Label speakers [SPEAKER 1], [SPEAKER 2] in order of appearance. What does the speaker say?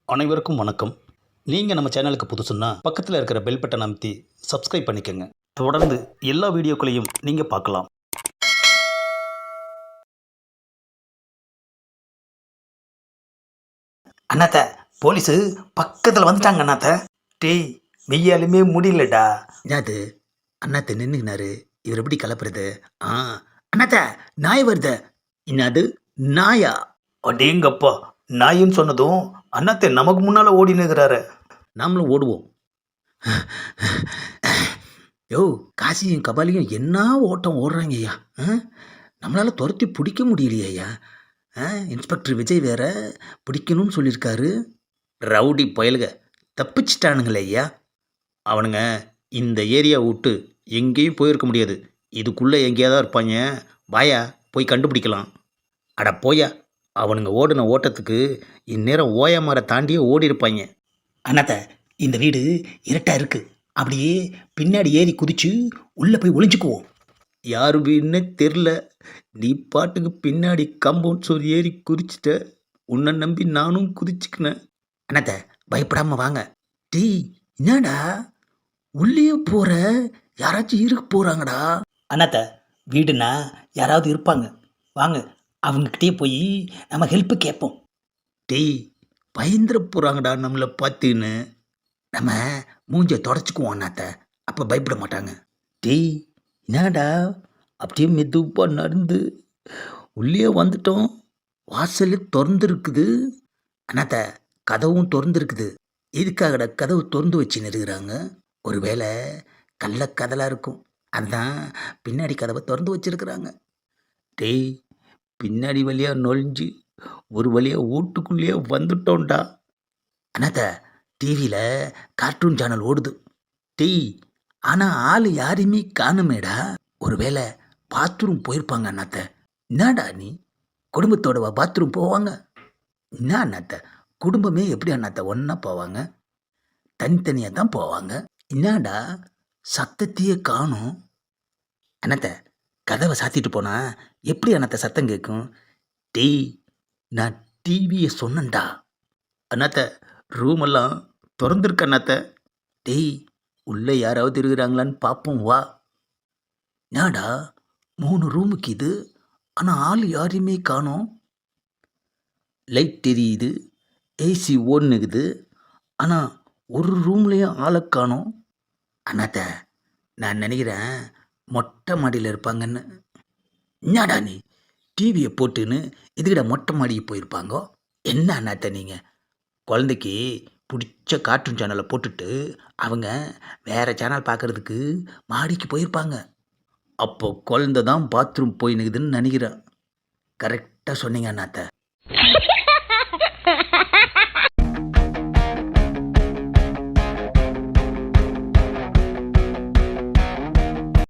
[SPEAKER 1] அனைவருக்கும் வணக்கம். நீங்கள் நம்ம சேனலுக்கு புதுசுன்னா பக்கத்தில் இருக்கிற பெல் பட்டனை அமைத்தி சப்ஸ்கிரைப் பண்ணிக்கோங்க. தொடர்ந்து எல்லா வீடியோக்களையும் நீங்கள் பார்க்கலாம். அண்ணாத்த, போலீஸு பக்கத்தில் வந்துட்டாங்க அண்ணாத்த. டேய், வெய்யாலுமே முடியலடா. என்னது அண்ணாத்த நின்றுக்கினாரு, இவர் எப்படி கலப்புறது? அண்ணாத்த, நாய் வருது. என்னது நாயா? அடேங்கப்பா, நாயின்னு சொன்னதும் அண்ணாத்த நமக்கு முன்னால் ஓடினுக்கிறாரு. நாமளும் ஓடுவோம். யோ, காசியும் கபாலியும் என்ன ஓட்டம் ஓடுறாங்க ஐயா. நம்மளால் துரத்தி பிடிக்க முடியலையே ஐயா. இன்ஸ்பெக்டர் விஜய் வேற பிடிக்கணும்னு சொல்லியிருக்காரு. ரவுடி பயலுக தப்பிச்சிட்டானுங்களே ஐயா. அவனுங்க இந்த ஏரியா விட்டு எங்கேயும் போயிருக்க முடியாது. இதுக்குள்ளே எங்கேயாதான் இருப்பாங்க. வாயா, போய் கண்டுபிடிக்கலாம். அட போயா, அவனுங்க ஓடின ஓட்டத்துக்கு இந்நேரம் ஓயமாரை தாண்டியே ஓடி இருப்பாங்க. அண்ணாத்த, இந்த வீடு இருட்டாக இருக்குது. அப்படியே பின்னாடி ஏறி குதிச்சு உள்ளே போய் ஒளிஞ்சுக்குவோம். யார் வீடுன்னே தெரில, நீ பாட்டுக்கு பின்னாடி கம்பவுண்ட் சோறு ஏறி குதிச்சிட்ட. உன்னை நம்பி நானும் குதிச்சுக்கினேன். அண்ணாத்த, பயப்படாமல் வாங்க. டீ, என்னடா உள்ளே போகிற? யாராச்சும் இருக்க போகிறாங்கடா. அண்ணாத்த, வீடுனா யாராவது இருப்பாங்க, வாங்க அவங்கக்கிட்டே போய் நம்ம ஹெல்ப்பு கேட்போம். டேய், பயந்துட போகிறாங்கடா நம்மளை பார்த்துன்னு. நம்ம மூஞ்சை தொடச்சிக்குவோம் அண்ணாத்த, அப்போ பயப்பட மாட்டாங்க. டேய், என்னடா அப்படியே மெதுவாக நடந்து உள்ளே வந்துட்டோம். வாசல் திறந்துருக்குது. அண்ணாத்த, கதவும் திறந்துருக்குது. எதுக்காகடா கதவு திறந்து வச்சுன்னு இருக்கிறாங்க? ஒருவேளை கள்ளக்கதலாக இருக்கும், அதுதான் பின்னாடி கதவை திறந்து வச்சுருக்குறாங்க. டேய், பின்னாடி வழியாக நொழிஞ்சு ஒரு வழியாக வீட்டுக்குள்ளேயே வந்துட்டோம்டா. அண்ணாத்த, டிவியில் கார்ட்டூன் சேனல் ஓடுது. டேய், ஆனால் ஆள் யாரையுமே காணுமேடா. ஒருவேளை பாத்ரூம் போயிருப்பாங்க அண்ணாத்த. என்னடா நீ, குடும்பத்தோட பாத்ரூம் போவாங்க? என்ன அண்ணாத்த, குடும்பமே எப்படி அண்ணாத்த ஒன்றா போவாங்க? தனித்தனியாக தான் போவாங்க. என்னடா சத்தத்தையே காணும்? அண்ணாத்த, கதவை சாத்திட்டு போனா எப்படி அண்ணாத்த சத்தம் கேட்கும்? டேய், நான் டிவியை சொன்னேன்டா. அண்ணாத்த, ரூமெல்லாம் திறந்துருக்க அண்ணாத்த. டேய், உள்ளே யாராவது இருக்கிறாங்களான்னு பார்ப்போம் வா. நாடா 3 ரூமுக்கு இது, ஆனால் ஆள் யாரையுமே காணோம். லைட் தெரியுது, ஏசி ஓடுனுக்குது, ஆனால் ஒரு ரூம்லேயும் ஆளை காணோம். அண்ணாத்த, நான் நினைக்கிறேன் மொட்டை மாடியில் இருப்பாங்கன்னு. என்னடா நீ, டிவியை போட்டுன்னு இதுக்கிட்ட மொட்டை மாடிக்கு போயிருப்பாங்கோ? என்ன அண்ணாத்த நீங்கள், குழந்தைக்கு பிடிச்ச கார்ட்டூன் சேனலை போட்டுட்டு அவங்க வேறு சேனல் பார்க்குறதுக்கு மாடிக்கு போயிருப்பாங்க. அப்போ குழந்தை தான் பாத்ரூம் போயினுக்குதுன்னு நினைக்கிறேன். கரெக்டாக சொன்னீங்க அண்ணாத்த.